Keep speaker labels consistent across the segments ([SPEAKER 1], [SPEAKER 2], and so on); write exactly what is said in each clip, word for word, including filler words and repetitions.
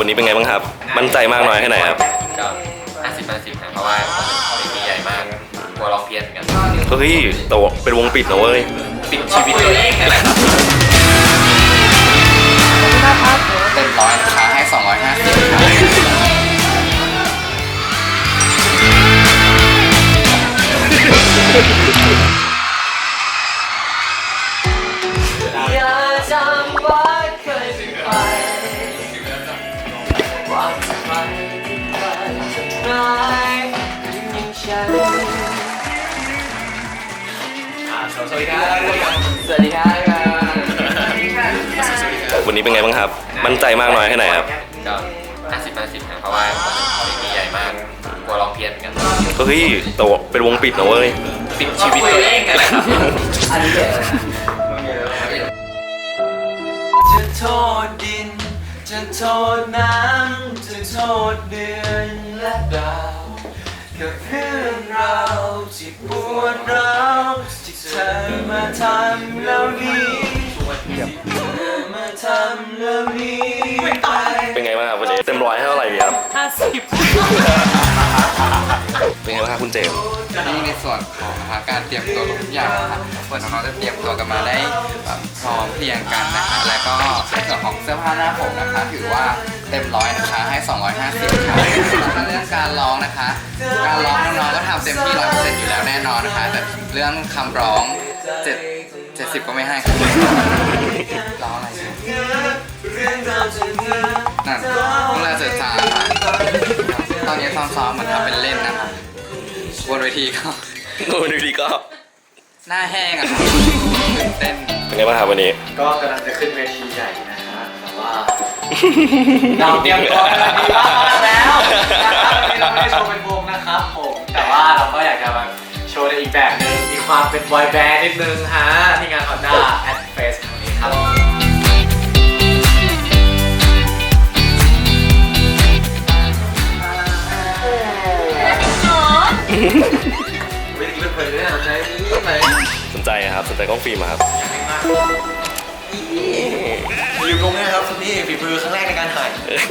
[SPEAKER 1] วันนี้เป็นไงบ้างครับมั่นใจมากน้อยแค่ไหนครับ
[SPEAKER 2] ก็ห้าสิบห้าสิบนะเพราะว่าเวทีใหญ่มากกลัวร้องเพี้ยนกัน
[SPEAKER 1] เฮ้ยแต่เป็นวงปิดนะเว้ย
[SPEAKER 2] ปิดชีวิตตัวเองนั่นแหละครับเต็มร้อยนะคะให้สองร้อยห้าสิบ
[SPEAKER 3] อย่าจำว่าเคยเป็นใครว่าใครใครจะร้ายยิ่งฉันสวัสดีครับสวัสดีครับ
[SPEAKER 1] วันนี้เป็นไงบ้างครับมั่นใจมากน้อยแค่ไหนครับ
[SPEAKER 2] ก็ห้าสิบห้าสิบนะเพราะว่าเวทีใหญ่มากกลัวร้องเพี้ยนกัน
[SPEAKER 1] เฮ้ยแต่เป็นวงปิดนะเว้ย
[SPEAKER 2] ปิดชีวิตตัวเองนั่นแหละครับ
[SPEAKER 3] อันนี้เด็ดจะโทษดินจะโทษน้ำจะโทษเดือนและดาวกับเรื่องราวที่ปวดร้าวที่เธอมาทำแล้วนี้เธอมาทำแล้วนี้ไป
[SPEAKER 1] เป็นไงบ้างครับวันนี้เต็มร้อยให้เท่าไหร่ดีครับ
[SPEAKER 3] ห้าสิบ
[SPEAKER 1] เป็นไงบ้างครับคุณเจมส์
[SPEAKER 2] นี่ในส่วนของการเตรียมตัวทุกอย่างนะครับส่วนน้องๆจะเตรียมตัวกันมาได้พร้อมเพรียงกันนะคะแล้วก็ในส่วนของเสื้อผ้าหน้าผมนะคะถือว่าเต็มร้อยนะคะให้สองร้อยห้าสิบค่ะแล้วก็เรื่องการร้องนะคะการร้องน้องๆก็ทำเต็มที่ร้อยเปอร์เซ็นต์อยู่แล้วแน่นอนนะคะแต่เรื่องคำร้องเจ็ดเจ็ดสิบก็ไม่ให้ค่ะร้องอะไรนั่นพวกเราจะจาค่ะตอนนี้ซ้อมๆเหมือนทำเป็นเล่นนะคะบนเวทีก็
[SPEAKER 1] บนเวทีก็
[SPEAKER 2] หน้าแห้งอ่ะตื่นเต้น
[SPEAKER 1] เป็นไงบ้างครับวันนี้
[SPEAKER 3] ก็กำลังจะขึ้นเวทีใหญ่นะฮะแต่ว่าเราเตรียมตัวกันดีมากแล้วนะครับวันนี้เราไม่ได้โชว์เป็นวงนะครับผมแต่ว่าเราก็อยากจะมาโชว์ในอีกแบบนึงมีความเป็นบอยแบนด์นิดนึงฮะที่งาน Honda at Fest ครั้งนี้ครับวิธีเป็นเพลินเนี่ยสนใจนี่ไหม
[SPEAKER 1] สนใจครับสนใจกล้องฟิล์มครับ
[SPEAKER 3] อยู่ตรงนี้ครับนี่ฝีมือครั้งแรกในการถ่าย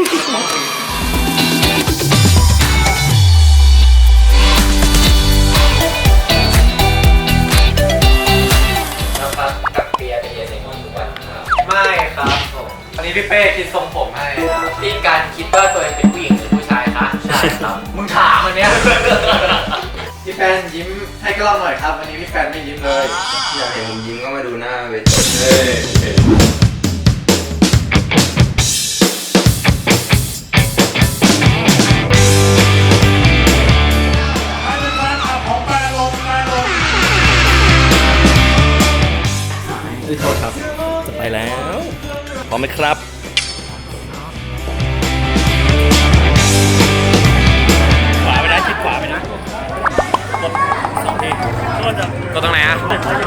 [SPEAKER 3] แล้วครับกับเปียเป็นเยเซงทุกวันครับไม่ครับผมวันนี้พี่เป้คิดทรงผมให้ครับพี่การคิดว่าตัวเองเป็นผู้หญิงหรือผู้ชายคะใช่ครับมึงถามอันเนี้ยพี่แฟนยิ้มให้กล้องหน่อยครับวันนี้พี่แฟนไม่ยิ้มเลย
[SPEAKER 2] อยากเห็นผมยิ้มก็มาดูหน้าเวที
[SPEAKER 1] โทษครับจะไปแล้วพร้อมไหมครับขวาไปนะคิดขวาไปนะกดสองทีก็จะกดตรงไหนอ่ะ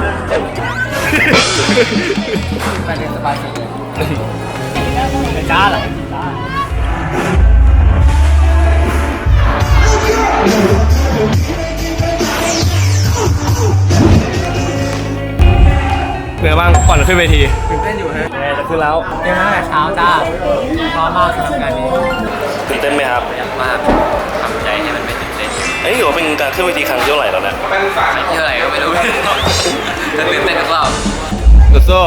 [SPEAKER 3] ไปเรียนสบายสุดเลยจ้าเหรอ
[SPEAKER 1] เป็นไงบ้างก่อนขึ้นเวที
[SPEAKER 3] ตื่นเต้นอยู่ฮะ
[SPEAKER 1] จะขึ้นแล้ว
[SPEAKER 3] เต้นตั้งแต่เช้าจ้าพร้อมมากสำหรับงานนี้
[SPEAKER 1] ตื่นเต้นไหมครับ
[SPEAKER 2] ยากมากทำใจให้มันไม่ตื่นเต้น
[SPEAKER 1] เอ้ยถือว่าเป็นการขึ้นเวทีครั้งที่เท่าไหร่แล้วเนี่ย
[SPEAKER 2] เท่าไหร่ก็ไม่รู้จะตื่นเต้นหรือเปล่า
[SPEAKER 1] สู้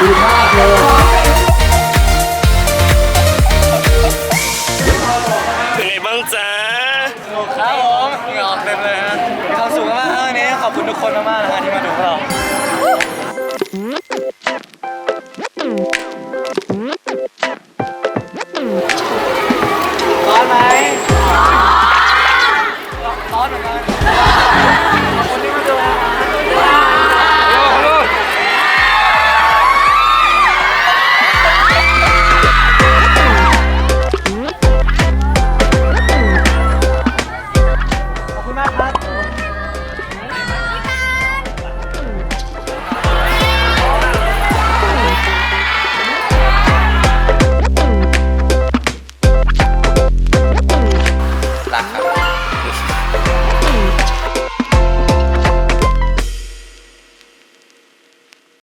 [SPEAKER 3] ดีมากเลย
[SPEAKER 1] เป็นไงบ้างจ๊ะ
[SPEAKER 3] ครับผมเหงื่อออกเต็มเลยฮะมีความสุขมากๆวันนี้ขอบคุณทุกคนมากๆนะฮะที่มาดูพวกเรา